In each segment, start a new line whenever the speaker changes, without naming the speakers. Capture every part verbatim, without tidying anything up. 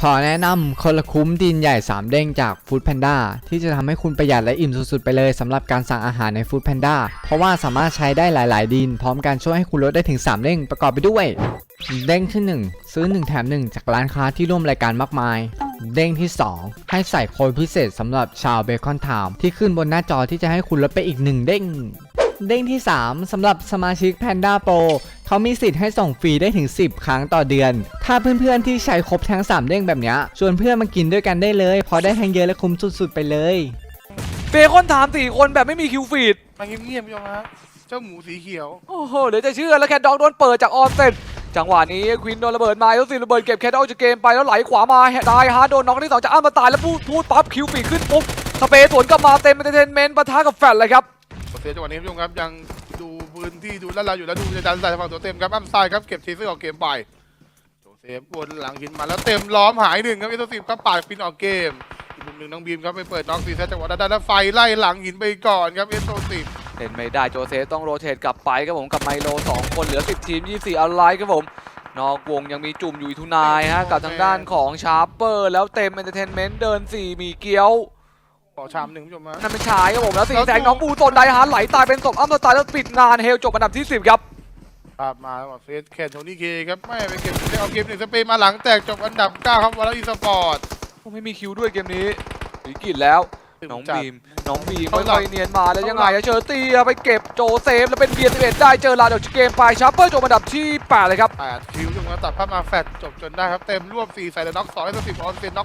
ขอแนะนำคนละคุ้มดินใหญ่สามเด้งจาก Food Panda ที่จะทำให้คุณประหยัดและอิ่มสุดๆไปเลยสำหรับการสั่งอาหารใน Food Panda เพราะว่าสามารถใช้ได้หลายๆดินพร้อมกันช่วยให้คุณลดได้ถึงสามเด้งประกอบไปด้วยเด้งที่หนึ่งซื้อหนึ่งแถมหนึ่งจากร้านค้าที่ร่วมรายการมากมายเด้งที่สองให้ใส่โค้ดพิเศษสำหรับชาวเบคอนไทม์ที่ขึ้นบนหน้าจอที่จะให้คุณลดไปอีกหนึ่งเด้งเด้งที่สามสำหรับสมาชิก Panda Pro เขามีสิทธิ์ให้ส่งฟรีได้ถึงสิบครั้งต่อเดือนถ้าเพื่อนๆที่ใช้ครบทั้งสามเด้งแบบนี้ชวนเพื่อนมากินด้วยกันได้เลยเพราะได้ทั้งเยอะและคุ้มสุดๆไปเลย
เบคอนถามสี่คนแบบไม่มีคิวฟีด
มาเงียบๆพี่ชมฮะเจ้าหมูสีเขียว
โอ้โหเดี๋ยวจะเชื่อแล้วแคทด็อกโดนเปิดจากออนเซ็ตจังหวะนี้ควินโดนระเบิดมาแล้วสิระเบิดเก็บแคทด็อกจากเกมไปแล้วไหลขวามาได้ฮาร์ดโดนน็อกที่สองจะอ้ามาตายแล้วพูดพูดปั๊บคิวฟีดขึ้นปุ๊บสเปซสวนกลับมาเต็มเอนเตอร์เทนเมนต์ปะทะกับแฟลชเลยครับ
เสียจังหวะนี้พี่ชมครับยังดูพื้นที่ดูแล้วเราอยู่แล้วดูจะดันใส่ฝั่งตัวเต็มครับอ้ำซ้ายครับเก็บทีเซอร์ออกเกมไปโจเซฟวนหลังหินมาแล้วเต็มล้อมหายหนึ่งครับเอสโซสิบครับปาดฟินออกเกมอีกมุมหนึ่งน้องบีมครับไปเปิดน้องซีเซตจังหวะด้านแล้วไฟไล่หลังหินไปก่อนครับเอสโซสิบ
เห็นไม่ได้โจเซฟต้องโรเตทกลับไปครับผมกับไมโลสองคนเหลือสิบทีมยี่สิบสี่ออนไลน์ครับผมนอกวงยังมีจุ่มอยู่อีทุนายฮะกับทางด้านของชาร์เปอร์แล้วเต็มเอนเตอร์เทนเมนต์เดินสี่มีเกี๊ยว
ขอชามหนึ่งพี่ชมฮะ
นั่นเป็นชายครับผมแล้วสี่แสงน้องปูตนไดฮาร์ดไหลตายเป็นศพอ้ำตายแล้วปิดงานเฮลจบอันดับที่สิบครับ
ภาพมาเฟสแคนโทนี่เคครับไม่ไปเก็บได้เอาเกมหนึ่งสเปนมาหลังแตกจบอันดับเก้าครับวอลเลย์อีสปอร์ต
ไม่มีคิวด้วยเกมนี้วิกฤตแล้วน้องบีมน้องบีมค่อยๆเนียนมาแล้วยังไงเชอร์ตี้ไปเก็บโจเซฟแล้วเป็นเบียร์สิบเอ็ดได้เจอลาดอกเกมไปชาร์เปอร์จบอันดับที่แปดเลยครับ
แปดคิวจนมาตัดภาพมาแฟดจบจนได้ครับเต็มรวบสี่ใส่แล้วน็อกสองให้สิบออนเซนน็อก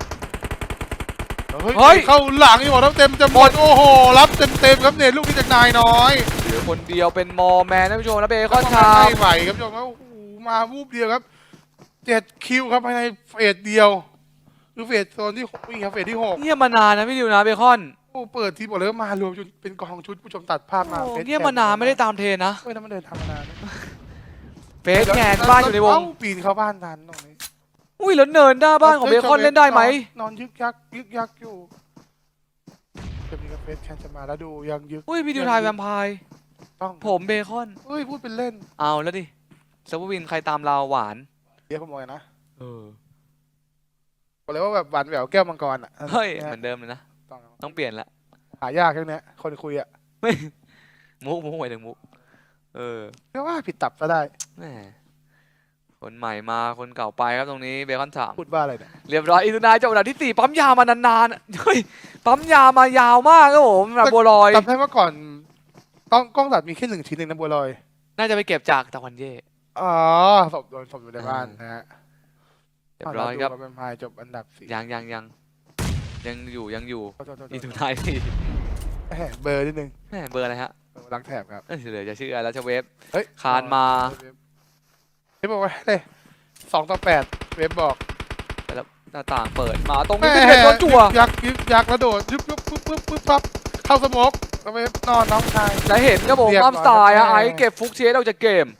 เฮ้ยเข้าหลังอยู่หมดแล้วเต็มจะหมดโอ้โหรับเต็มเต็มครับเนี่ยลูกนี้จากนายน้อย
เหลือคนเดียวเป็นมอแมนท่านผู้ชมแล้วเบคอนชา
ไม่ไหวครับผู้ชมครับโอ้โหมาวูบเดียวครับเจ็ดคิวครับภายในเฟสเดียวคือเฟสโซนที่หกวิ่งครับเฟสที่หก
เงียบมานานนะพี่ดิวนะเบคอน
โอ้เปิดทีบอกเลยว่ามารวมจนเป็นกองชุดผู้ชมตัดภาพมา
เงียบมานานไม่ได้ตามเทรนนะ
เฮ้ยนั่นมันเดินทางมานาน
เฟสแคนบ้านอยู่ในวง
ปีนเข้าบ้านทันตรงนี้
อุ้ยแล้วเนินหน้าบ้านของเบคอนเล่นได้ไหม
นอนยึกยักยึกยักอยู่จะมีกาเฟสแคนจะมาแล้วดูยังยึก
อุ้ยพี่ดิวทายแวมไพร์
ต้อง
ผมเบคอน
เฮ้ยพูดเป็นเล่น
เอาแล้วดิเซเวอร์วินใครตามเราหวาน
เดี๋ยวขโมยนะ
เออ
บอกเลยว่าแบบหวานแหววแก้วมังกรอ่ะ
เฮ้ยเหมือนเดิมเลยนะต้องเปลี่ยนละ
หายากแค่นี้คนคุยอ่ะ
ไม่มุกมุกไปถึงมุกเออ
ก็ว่าผิดตับก็ได้
แหมคนใหม่มาคนเก่าไปครับตรงนี้เบคอนถาม
พูดว่าอะไรเนี่ย
เรียบร้อยอินโดนายจบอันดับที่สี่ปั๊มยามานานๆเฮ้ยปั๊มยามายาวมากครับผมแบบบัวลอย
จำได้ว่าก่อนกล้องกล้องตัดมีแค่หนึ่งชิ้นเองนะบัวลอย
น่าจะไปเก็บจากตะวันเย่
อ๋อศพโดนศพอยู่ในบ้านนะฮะ
เรียบร้อยครับ
เป็นพายจบอันดับสี่
ยังยังยังยังอยู่ยังอยู่อินโดนายสี่
เบอร์นิดนึง
เบอร์อะไรฮะ
รักแถบครับ
เดี๋ยวจะชื่ออะไรแล้วจะเวฟ
เฮ้ย
คานมา
เว็บบอกว่าเลยสองต่อแปดเว็บบอก
แล้วหน้าต่างเปิดมาตรงนี้เป็นโดนจั่ว
ยักยึกยักระโดดยุบยุบปุ๊บปุ๊บปุ๊บปั๊บเข้าสมกแล้วเว็บนอนน้องชาย
จะเห็นครับผมอัมสไตล์ไอ้เก็บฟุกเชสออกจากเกม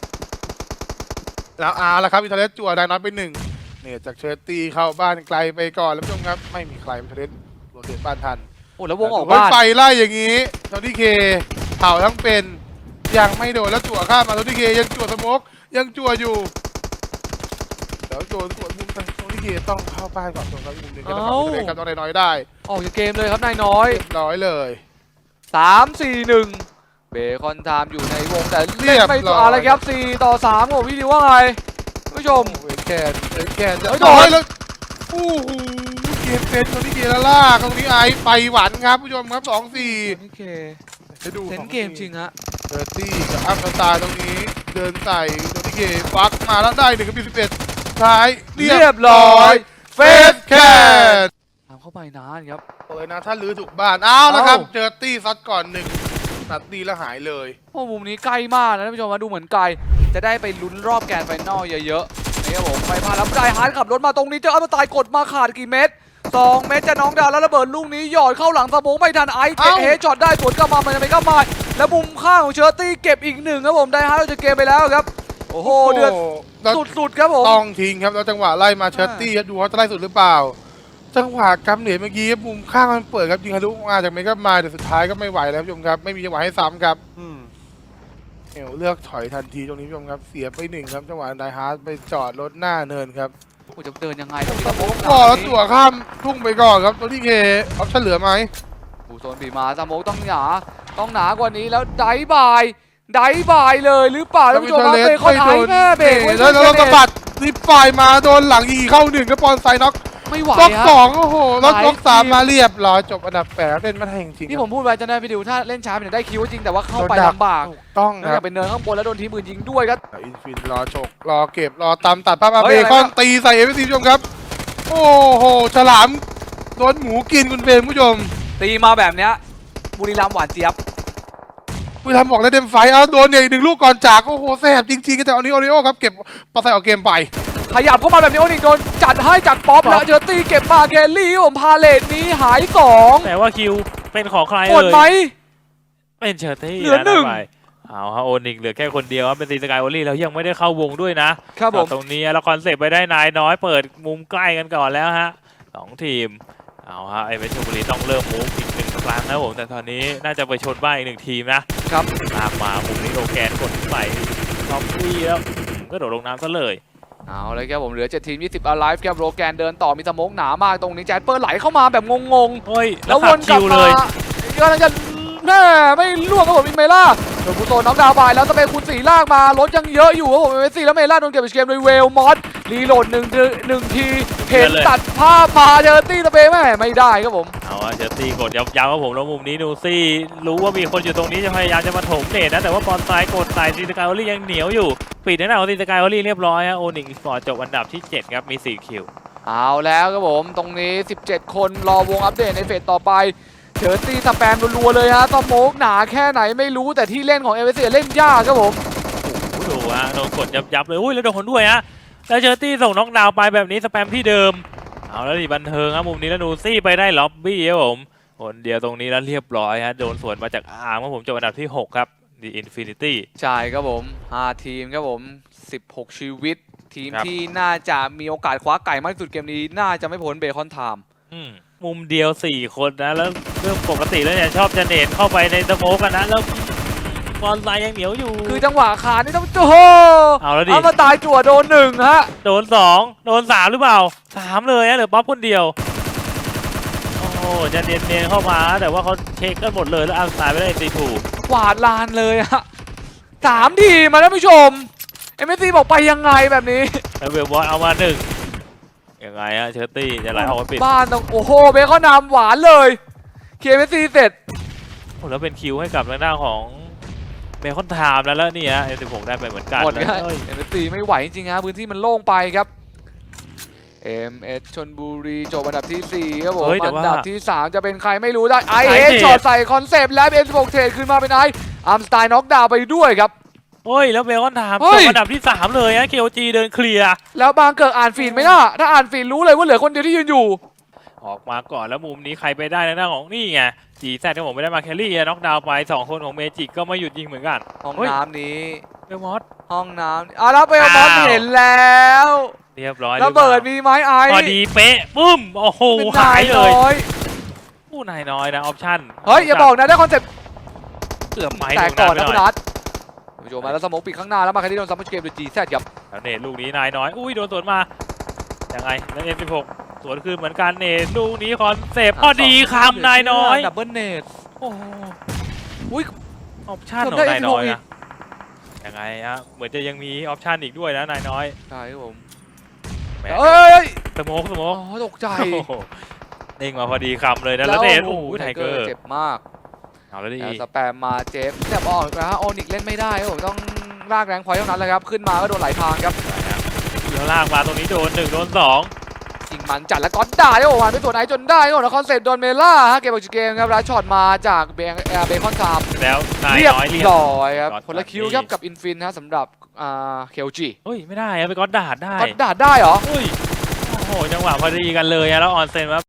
แล้วอาร์แล้วครับอินเทอร์เน็ตจั่วได้น้อยไปหนึ่งเนี่ยจากเชอร์ตีเข้าบ้านไกลไปก่อนแล้วผู้ชมครับไม่มีใครอินเทอร์เน็ตโรเตทบ้านทัน
โอ้แล้ววงออกบ้าน
ไฟไล่อย่างนี้โทนี่เคเผาทั้งเป็นยังไม่โดนแล้วจั่วข้ามมาโทนี่เคยังจั่วสมกยังจั่วอยู่เดี๋ยวโดนสวนมุมทางโทนี่เคต้องเข้าบ้านก่อนตรงนั้นมุมหนึ่งก็ต้องทำเลยครับต้องได้น้อยได้
ออกจากเกมเลยครับนายน้อย
น้อยเลย
สามสี่หนึ่งเบคอนไทม์อยู่ในวงแต่เล่นไม่ต่ออะไรครับสี่ต่อสามโอ้พี่ดิวว่าไงผู้ชม
เวแคนเวแคนจะโดนแล้วโอ้โหเกมเป็นโทนี่เคแล้วล่าตรงนี้ไอไปหวันครับผู้ชมครับสองสี่
โอเค
ให้ดู
เล่นเกมจริงฮะ
เดอร์ตี้กับอัพสตาร์ตรงนี้เดินใส่โทนี่เคฟักมาแล้วได้หนึ่งกับสิบเอ็ดท้าย
เรียบร้อย
เฟสแคท
ทำเข้าไปนานครับ
โอ้ยนะถ้าลื้อถูกบ้านเอาละครับเจอตี้ซัดก่อนหนึ่งตัดดีแล้วหายเลย
โอ้มุมนี้ใกล้มากนะท่านผู้ชมมาดูเหมือนไกลจะได้ไปลุ้นรอบแกรนด์ไฟนอลเยอะๆนี่ครับผมไปพาแล้วได้ฮาร์ดขับรถมาตรงนี้เจออัลตายกดมาขาดกี่เม็ดสองเม็ดจะน้องดาวแล้วระเบิดลูกนี้หยอดเข้าหลังสมองไม่ทันไอเก็บเฮช็อตได้สวนกลับมามันจะไปก็มาแล้วมุมข้างของเชอร์ตี้เก็บอีกหนึ่งครับผมได้ฮาร์ดจะเกมไปแล้วครับโอ้โหเดือดสุดๆครับผม
ต้องทิ้งครับแล้วจังหวะไล่มาเชอร์ตี้ดูเขาจะไล่สุดหรือเปล่าจังหวะกำเหนียเมื่อกี้มุมข้างมันเปิดครับยิงทะลุมาจากเมกามาแต่สุดท้ายก็ไม่ไหวแล้วผู้ชมครับไม่มีจังหวะให้ซ้ำครับเอลเลือกถอยทันทีตรงนี้ผู้ชมครับเสียไปหนึ่งครับจังหวะไดฮาร์ดไปจอดรถหน้าเนินครับ
อ้จะเดินยังไงต้องมีสโมก
ก่อแล้วตัวข้ามทุ่งไปก่อนครับตัวที่เคออปชั่นเหลือไหม
บูโซนบีมาสโมกต้องหนาต้องหนากว่านี้แล้วไดบายไดบายเลยหรือเปล่าท่านผู้ชมครับเบรกเขาถ่ายแม่เบรกไว้
แล้วเราสะบัดรีบฝ่ายมาโดนหลังอีเข้าหนึ่งก็ปอนไซน็อก
ไม่ไหว
ล็อก
ฮะ
สองโอ้โหแล้วล็อกสามมาเรียบร้อยจบอันดับแปดเล่นไม่ได้จริงๆ
ที่ผมพูดไว้จะได้ไปดูถ้าเล่นช้าเนี่ยได้คิวจริงแต่ว่าเข้าไปลำบาก
ถูกต้อง
แล้ว
ค
อ
รับ
ยากเป็นเนินข้างบนแล้วโดนทีมอื่นยิงด้วยครับ
อินฟินรอฉกรอเก็บรอตามตัดภาพมา
เฮ้
เบ
ยอะไร
คอน
วะ
ตีใส่เอฟซีผู้ชมครับ โอ้โหฉลามโดนหมูกินคุณเฟรมผู้ชม
ตีมาแบบเนี้ยบุรีรัมย์หวานเจี๊ยบ
ผู้ทำบอกได้เต็มไฟเอาโดนเนี่ยอีกหนึ่งลูกก่อนจากโอ้โหแสบจริงๆแต่เอานี้โอริโอครับเก็บปาใส่ออกเกมไป
ขยับเข้ามาแบบนี้โอนิกโดนจัดให้จากป๊อปแล้วเจอตีเก็บมาเกลลี่ผมพาเลทนี้หายสอง
แต่ว่าคิวเป็นของใคร
หมด
เอ่ย
ไหม
เป็นเชอร์ตี้
เหลือหนึ่ง
ะไปเอาฮะโอนิกเหลือแค่คนเดียวครับเป็นซีสกายโอลี่แล้วยังไม่ได้เข้าวงด้วยนะครับ
ผม
ตรงนี้แล้วคอนเซปต์ไปได้นายน้อยเปิดมุมใกล้กันก่อนแล้วฮะสองทีมเอาฮะไอเวชลบุรีต้องเริ่มมูฟอีกหนึ่งครั้งนะผมแต่ตอนนี้น่าจะไปชนบ้านอีกหนึ่งทีมนะครับ ตามมามุมนี้โลแกนกดใส่ท็อปฟี่แล้วก็โดดลงน้ำซะเลย
เอาเลยครับผมเหลือเจ็ดทีมยี่สิบ alive ครับโรแกนเดินต่อมีสโมกหนามากตรงนี้แจ็ดเปิร์ไหลเข้ามาแบบงง
เฮ้ย
ๆ
แล้
แล้ว ว
ขั
ว
บ
นกลั
คิ
บ
ว
มา
เลย
กำลังจะแม่ไม่ล่วงครับผมอินเมล่าโดนบูโตน็อกดาวน์ไปแล้วสเปคคูณสี่ลากมารถยังเยอะอยู่ครับผมเอเมซี่แล้วเมล่าโดนเก็บไปเกมโดยเวลมอสรีโหลดหนึ่งทีหนึ่งทีเห็นตัดภาพมาเจอตี้สเปคแม่ไม่ได้ครับผม
เอาอะเชอร์ตี้กดย้ำๆว่าผมแล้วมุมนี้นูซี่รู้ว่ามีคนอยู่ตรงนี้จะพยายามจะมาถมเนตนะแต่ว่าบอลซ้ายกดใส่ซีสกายโอลี่ยังเหนียวอยู่ปิดหน้าของซีสกายโอลี่เรียบร้อยฮะโอนิงสปอร์ตจบอันดับที่เจ็ดครับมีสี่คิว
เอาแล้วครับผมตรงนี้สิบเจ็ดคนรอวงอัปเดตในเฟสต่อไปเจอตี้สแปมรัวๆเลยฮะสโมกหนาแค่ไหนไม่รู้แต่ที่เล่นของเอเวอเรสต์เล่นยากครับผม
โอ้โหดูฮะโดนกดยับๆเลยอุ้ยแล้วโดนด้วยฮะแล้วเชอร์ตี้ส่งน็อกดาวน์ไปแบบนี้สแปมที่เดิมเอาแล้วดิบันเทิงครับมุมนี้แล้วนูซี่ไปได้ล็อบบี้ครับผมคนเดียวตรงนี้แล้วเรียบร้อยฮะโดนสวนมาจากอาร์มครับผมจบอันดับที่หกครับ The Infinity
ใช่ครับผมห้าทีมครับผมสิบหกชีวิต ทีม
ครับ
ที่น่าจะมีโอกาสคว้าไก่มากที่สุดเกมนี้น่าจะไม่พ้นเบคอนไทม์
อืมมุมเดียวสี่คนนะแล้วเรื่องปกติแล้วเนี่ยชอบจะเนตเข้าไปในสโมกกันนะแล้วบอลไลน์ยังเหนียวอยู่
คือจังหวะขานี่ต้องโอ้โห
เอาแล้วดิ
เอามาตายจั่วโดนหนึ่งฮะ
โดนสองโดนสามหรือเปล่าสามเลยนะเหลือป๊อปคนเดียวโอ้โหจะเนียนๆเข้ามาแต่ว่าเขาเช็คกันหมดเลยแล้วอัลสไตล์ไปได้ตีถูก
กวาดลานเลยฮะสามทีมมาท่านผู้ชมเอ็มเอสซีบอกไปยังไงแบบนี้
แล้วเวลบอลเอามาหนึ่งยังไงฮะเชอร์ตี้จะไหลออกมาปิด
บ้านต้องโอ้โหเบคอนนำหวานเลยเคเอสซีเสร็จ
โอ้แล้วเป็นคิวให้กับทางด้านของเบคอนไทม์แล้วแล้วนี่ฮะเอ็มสิบหกได้ไปเหมือนกัน
หมด
นะ
นะ
เอ้ย
เอ็มเอสซีไม่ไหวจริงๆฮะพื้นที่มันโล่งไปครับ เอ็ม เอส ชลบุรีจบอันดับที่สี่ครับผม
เฮ้ยแต่
อั
ว่า
นดับที่สามจะเป็นใครไม่รู้ได้ไอ
ไอ
เอ
เอ
ส
ส
ช็อตใส่คอนเซปต์แล้วเอ็มสิบหกเทรดขึ้นมาเป็นไออาร์มสไตล์น็อกดาวน์ไปด้วยครับ
โอ้ยแล้วเบคอนไทม์
เฮ้
จ
ย
บอันดับที่สามเลยฮะเคโอจีเดินเคลียร์
แล้วบางเกิดอ่านฟีดไหมล่ะถ้าอ่านฟีดรู้เลยว่าเหลือคนเดียวที่ยืนอยู่
ออกมาก่อนแล้วมุมนี้ใครไปได้ทางด้านของนี่ไงจีแซดที่ผมไม่ได้มาแครี่น็อกดาวน์ไปสองคนของเมจิกก็ไม่หยุดยิงเหมือนกัน
ห้อง
เฮ้ย
น้ำนี้
เบลมอส
ห้องน้ำอ่ะแล้วเบลมอน
อ้าว
เห็นแล้ว
เรียบร้อย
ระเบิดมีไหมไอ
พอดีเป๊ะปุ้มโอ้โห
เป็น
หาย
น
เลย
น้อย
ผู้นายน้อยนะออปชั่น
เฮ้ยอย่าบอกนะได้คอนเซปต์
เกือบไป
แต่
ตรง
ก่อน
นั้
นะ
นไป
คุณ
หน่อย
นัทผู้ชมมาแล้วสโมกปิดข้างหน้าแล้วมาแคที่โดนซัมเมอร์เกมโดยจีแซดครับ
แล้วเนตลูกนี้นายน้อยอุ้ยโดนสวนมายังไงแล้วเอ็มสิบหกสวนคืนเหมือนกันเนตลูกนี้คอนเซปต์พอดีคำนายน้อย
ดับเบิลเนต
โอ้โห
อุ้ย
ออปชั่น
เกื
ข
อ
อบ ง
ได้
นายน้อย
เอ็มสิบหกอี
นะ
ก
ยังไงฮะเหมือนจะยังมีออปชั่นอีกด้วยนะนายน้อย
ใช่ครับผม
แหม
เอ้ย
สโมกสโม
อ๋อก ตกใจ
โอ้โหเด้งมาพอดีคำเลยนะแล้วเนตโอ้โหไทเกอร์
เจ็บมาก
เอาแล้วดิ
แต่สแปมมาเจ็บแต่ออกนะฮะโอนิกเล่นไม่ได้ครับผมต้องลากแรงพอยต์เท่านั้นเลยครับขึ้นมาก็โดนหลายทางครับ
แล้วลากมาตรงนี้โดนหนึ่งโดนสอง
ยิงมันจัดแล้วก็ด่าได้โอ้โหผ่านไปส่วนไหนจนได้ก็นะคอนเซ็ปต์โดนเมล่าฮะเกมออกจากเกมครับแล้วช็อตมาจากเบงเอ่อเบคอนไทม์
แล้วนาย
เรียบ
น้อยเรียบ
ร้อยครับ
ก่อน
คนละคิว
ก่อน
ครับ
นี่
กับอินฟินฮะสำหรับอ่าเคลจี
เฮ้ยไม่ได้อะไปก้อนดาดได้
ก็ด่าได้เหรอ
เฮ้ยโอ้โหจังหวะพอดีกันเลยอะแล้วออนเซนว่า